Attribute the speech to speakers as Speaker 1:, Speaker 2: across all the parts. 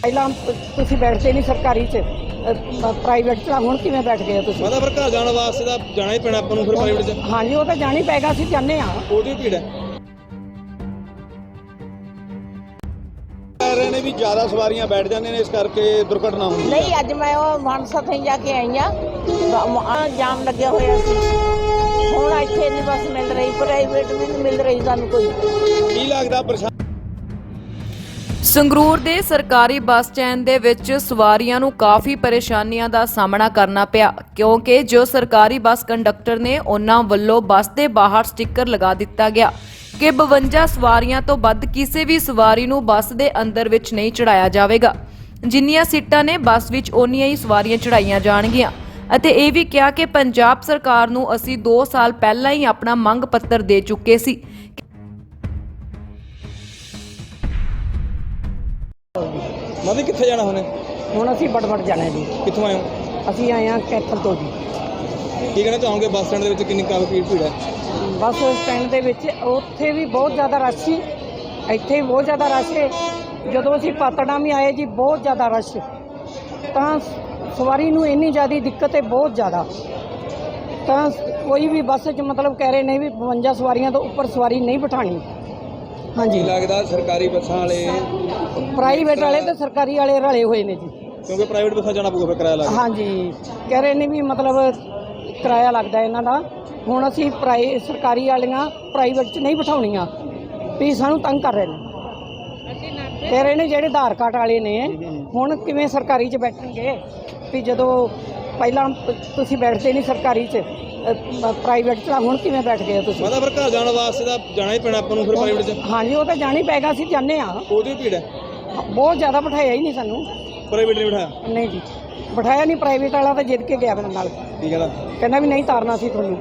Speaker 1: ਪਹਿਲਾਂ ਤੁਸੀਂ ਬੈਠਦੇ ਨਹੀਂ ਸਰਕਾਰੀ 'ਚ ਪ੍ਰਾਈਵੇਟ 'ਚ ਹੁਣ ਕਿਵੇਂ ਬੈਠ ਗਏ ਹੋ ਤੁਸੀਂ?
Speaker 2: ਮੈਂ ਤਾਂ ਫਿਰ ਘਰ ਜਾਣ ਵਾਸਤੇ ਤਾਂ ਜਾਣਾ ਹੀ ਪੈਣਾ ਆਪਾਂ ਨੂੰ ਫਿਰ ਪ੍ਰਾਈਵੇਟ 'ਚ।
Speaker 1: ਹਾਂਜੀ ਉਹ ਤਾਂ ਜਾਣਾ ਹੀ ਪਏਗਾ, ਅਸੀਂ ਜਾਂਦੇ ਹਾਂ।
Speaker 2: ਉਹਦੀ ਭੀੜ ਹੈ। ਕਹਿ ਰਹੇ ਨੇ ਵੀ ਜ਼ਿਆਦਾ ਸਵਾਰੀਆਂ ਬੈਠ ਜਾਂਦੀਆਂ ਨੇ, ਇਸ ਕਰਕੇ ਦੁਰਘਟਨਾ ਹੁੰਦੀ ਹੈ।
Speaker 3: ਨਹੀਂ, ਅੱਜ ਮੈਂ ਉਹ ਮਾਨਸਾ ਤੋਂ ਜਾ ਕੇ ਆਈ ਆ, ਜਾਮ ਲੱਗਿਆ ਹੋਇਆ ਸੀ। ਹੁਣ ਇੱਥੇ ਨਹੀਂ ਬੱਸ ਮਿਲ ਰਹੀ, ਪ੍ਰਾਈਵੇਟ ਵੀ ਨਹੀਂ ਮਿਲ ਰਹੀ ਸਾਨੂੰ ਕੋਈ।
Speaker 2: ਕੀ ਲੱਗਦਾ ਪਰੇਸ਼ਾਨ?
Speaker 4: ਸੰਗਰੂਰ ਦੇ ਸਰਕਾਰੀ ਬੱਸ ਸਟੈਂਡ ਦੇ ਵਿੱਚ ਸਵਾਰੀਆਂ ਨੂੰ ਕਾਫੀ ਪਰੇਸ਼ਾਨੀਆਂ ਦਾ ਸਾਹਮਣਾ ਕਰਨਾ ਪਿਆ, ਕਿਉਂਕਿ ਜੋ ਸਰਕਾਰੀ ਬੱਸ ਕੰਡਕਟਰ ਨੇ ਉਹਨਾਂ ਵੱਲੋਂ ਬੱਸ ਦੇ ਬਾਹਰ ਸਟicker ਲਗਾ ਦਿੱਤਾ ਗਿਆ ਕਿ 52 ਸਵਾਰੀਆਂ ਤੋਂ ਵੱਧ ਕਿਸੇ ਵੀ ਸਵਾਰੀ ਨੂੰ ਬੱਸ ਦੇ ਅੰਦਰ ਵਿੱਚ ਨਹੀਂ ਚੜਾਇਆ ਜਾਵੇਗਾ। ਜਿੰਨੀਆਂ ਸੀਟਾਂ ਨੇ ਬੱਸ ਵਿੱਚ ਓਨੀਆਂ ਹੀ ਸਵਾਰੀਆਂ ਚੜਾਈਆਂ ਜਾਣਗੀਆਂ ਅਤੇ ਇਹ ਵੀ ਕਿਹਾ ਕਿ ਪੰਜਾਬ ਸਰਕਾਰ ਨੂੰ ਅਸੀਂ 2 ਸਾਲ ਪਹਿਲਾਂ ਹੀ ਆਪਣਾ ਮੰਗ ਪੱਤਰ ਦੇ ਚੁੱਕੇ ਸੀ।
Speaker 2: ਮਾਦੀ ਕਿੱਥੇ ਜਾਣਾ
Speaker 1: ਹੁਣ ਅਸੀਂ ਬੜਬੜ ਜਾਣਾ ਜੀ।
Speaker 2: ਕਿੱਥੋਂ ਆਏ ਹੋ?
Speaker 1: ਅਸੀਂ ਆਏ ਹਾਂ ਕੈਥਲ ਤੋਂ ਜੀ।
Speaker 2: ਕੀ ਕਹਿਣਾ ਚਾਹੋਗੇ ਬੱਸ ਸਟੈਂਡ ਦੇ ਵਿੱਚ ਕਿੰਨੀ ਕਾਫੀ ਭੀੜ ਹੈ?
Speaker 1: ਬੱਸ ਸਟੈਂਡ ਦੇ ਵਿੱਚ ਉੱਥੇ ਵੀ ਬਹੁਤ ਜ਼ਿਆਦਾ ਰਸ਼ ਸੀ, ਇੱਥੇ ਵੀ ਬਹੁਤ ਜ਼ਿਆਦਾ ਰਸ਼ ਹੈ। ਜਦੋਂ ਅਸੀਂ ਪਾਤੜਾਂ ਵੀ ਆਏ ਜੀ, ਬਹੁਤ ਜ਼ਿਆਦਾ ਰਸ਼, ਤਾਂ ਸਵਾਰੀ ਨੂੰ ਇੰਨੀ ਜ਼ਿਆਦਾ ਦਿੱਕਤ ਹੈ, ਬਹੁਤ ਜ਼ਿਆਦਾ। ਤਾਂ ਕੋਈ ਵੀ ਬੱਸ 'ਚ ਮਤਲਬ ਕਹਿ ਰਹੇ ਨੇ ਵੀ 52 ਸਵਾਰੀਆਂ ਤੋਂ ਉੱਪਰ ਸਵਾਰੀ ਨਹੀਂ ਬਿਠਾਣੀ। ਹਾਂਜੀ,
Speaker 2: ਲੱਗਦਾ ਸਰਕਾਰੀ ਬੱਸਾਂ ਵਾਲੇ
Speaker 1: ਪ੍ਰਾਈਵੇਟ ਵਾਲੇ ਤੇ ਸਰਕਾਰੀ ਵਾਲੇ ਰਲੇ ਹੋਏ ਨੇ ਜੀ,
Speaker 2: ਕਿਉਂਕਿ ਪ੍ਰਾਈਵੇਟ ਬੱਸਾਂ ਜਾਣਾ ਪਊਗਾ ਫਿਰ ਕਿਰਾਇਆ ਲੱਗਦਾ।
Speaker 1: ਹਾਂਜੀ, ਕਹਿ ਰਹੇ ਨੇ ਵੀ ਮਤਲਬ ਕਿਰਾਇਆ ਲੱਗਦਾ ਇਹਨਾਂ ਦਾ। ਹੁਣ ਅਸੀਂ ਸਰਕਾਰੀ ਵਾਲੀਆਂ ਪ੍ਰਾਈਵੇਟ 'ਚ ਨਹੀਂ ਬਿਠਾਉਣੀਆਂ ਵੀ ਸਾਨੂੰ ਤੰਗ ਕਰ ਰਹੇ ਨੇ। ਕਹਿ ਰਹੇ ਨੇ ਜਿਹੜੇ ਆਧਾਰ ਕਾਰਡ ਵਾਲੇ ਨੇ ਹੁਣ ਕਿਵੇਂ ਸਰਕਾਰੀ 'ਚ ਬੈਠਣਗੇ ਵੀ ਜਦੋਂ ਪਹਿਲਾਂ ਤੁਸੀਂ ਬੈਠਦੇ ਨਹੀਂ ਸਰਕਾਰੀ 'ਚ ਪ੍ਰਾਈਵੇਟ 'ਚ ਹੁਣ ਕਿਵੇਂ ਬੈਠ ਗਏ ਹੋ ਤੁਸੀਂ?
Speaker 2: ਮੈਂ ਤਾਂ ਫਿਰ ਘਰ ਜਾਣ ਵਾਸਤੇ ਤਾਂ ਜਾਣਾ ਹੀ ਪੈਣਾ ਆਪਾਂ ਨੂੰ ਫਿਰ ਪ੍ਰਾਈਵੇਟ 'ਚ।
Speaker 1: ਹਾਂਜੀ ਉਹ ਤਾਂ ਜਾਣਾ ਹੀ ਪਏਗਾ, ਅਸੀਂ ਜਾਂਦੇ ਹਾਂ।
Speaker 2: ਉਹਦੀ ਭੀੜ ਹੈ।
Speaker 1: ਬਹੁਤ ਜ਼ਿਆਦਾ ਬਿਠਾਇਆ ਹੀ ਨਹੀਂ ਸਾਨੂੰ।
Speaker 2: ਪ੍ਰਾਈਵੇਟ ਨਹੀਂ ਬਿਠਾਇਆ?
Speaker 1: ਨਹੀਂ ਜੀ, ਬਿਠਾਇਆ ਨਹੀਂ। ਪ੍ਰਾਈਵੇਟ ਵਾਲਾ ਤਾਂ ਜਿੱਦ ਕੇ ਗਿਆ ਮੇਰੇ ਨਾਲ,
Speaker 2: ਕੀ ਕਹਿੰਦਾ?
Speaker 1: ਕਹਿੰਦਾ ਵੀ ਨਹੀਂ ਤਾਰਨਾ ਸੀ ਤੁਹਾਨੂੰ।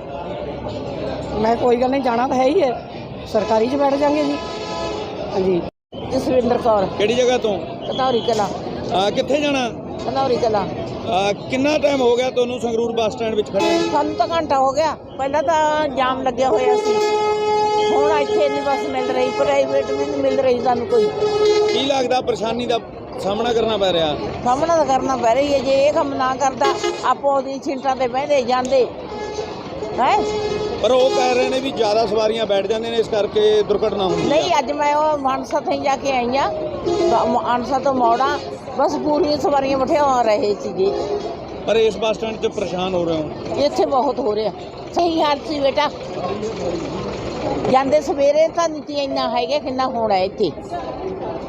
Speaker 1: ਮੈਂ ਕੋਈ ਗੱਲ ਨਹੀਂ, ਜਾਣਾ ਤਾਂ ਹੈ ਹੀ ਹੈ, ਸਰਕਾਰੀ 'ਚ ਬੈਠ ਜਾਵਾਂਗੇ ਜੀ। ਹਾਂਜੀ। ਜਸਵਿੰਦਰ ਕੌਰ।
Speaker 2: ਕਿਹੜੀ ਜਗ੍ਹਾ ਤੋਂ?
Speaker 3: ਕਨੌਰੀ ਕਲਾ।
Speaker 2: ਕਿੱਥੇ ਜਾਣਾ?
Speaker 3: ਕਨੌਰੀ ਕਲਾ।
Speaker 2: ਕਿੰਨਾ ਟਾਈਮ ਹੋ ਗਿਆ ਤੁਹਾਨੂੰ ਸੰਗਰੂਰ ਬੱਸ ਸਟੈਂਡ ਵਿੱਚ ਖੜੇ?
Speaker 3: ਸਾਨੂੰ ਤਾਂ ਘੰਟਾ ਹੋ ਗਿਆ। ਪਹਿਲਾਂ ਤਾਂ ਜਾਮ ਲੱਗਿਆ ਹੋਇਆ ਸੀ, ਹੁਣ ਇੱਥੇ ਨਹੀਂ ਬੱਸ ਮਿਲ ਰਹੀ, ਪ੍ਰਾਈਵੇਟ ਵੀ ਨਹੀਂ ਮਿਲ ਰਹੀ ਸਾਨੂੰ ਕੋਈ।
Speaker 2: ਕੀ ਲੱਗਦਾ ਪਰੇਸ਼ਾਨੀ ਦਾ ਸਾਹਮਣਾ ਕਰਨਾ ਪੈ ਰਿਹਾ?
Speaker 3: ਸਾਹਮਣਾ ਤਾਂ ਕਰਨਾ ਪੈ ਰਹੀ ਹੈ। ਜੇ ਇਹ ਕੰਮ ਨਾ ਕਰਦਾ ਆਪੋ ਉਹਦੀ ਸੀਟਾਂ ਤੇ ਬਹਿੰਦੇ ਜਾਂਦੇ ਹੈ।
Speaker 2: ਪਰ ਉਹ ਕਹਿ ਰਹੇ ਨੇ ਵੀ ਜ਼ਿਆਦਾ ਸਵਾਰੀਆਂ ਬੈਠ ਜਾਂਦੀਆਂ ਨੇ, ਇਸ ਕਰਕੇ ਦੁਰਘਟਨਾ ਹੁੰਦੀ ਹੈ।
Speaker 3: ਨਹੀਂ, ਅੱਜ ਮੈਂ ਉਹ ਮਾਨਸਾ ਤੋਂ ਜਾ ਕੇ ਆਈ ਆ, ਮਾਨਸਾ ਤੋਂ ਮੌੜਾ, ਬਸ ਪੂਰੀਆਂ ਸਵਾਰੀਆਂ ਬਿਠਾ ਰਹੇ ਸੀਗੇ।
Speaker 2: ਪਰ ਇਸ ਬੱਸ ਸਟੈਂਡ 'ਚ ਪਰੇਸ਼ਾਨ ਹੋ ਰਹੇ ਹੋ?
Speaker 3: ਇੱਥੇ ਬਹੁਤ ਹੋ ਰਿਹਾ। ਸਹੀ ਹਾਲ ਸੀ ਬੇਟਾ, ਜਾਂਦੇ ਸਵੇਰੇ ਤਾਂ ਨਹੀਂ ਇੰਨਾ ਹੈਗਾ, ਕਿੰਨਾ ਹੋਣਾ ਇੱਥੇ।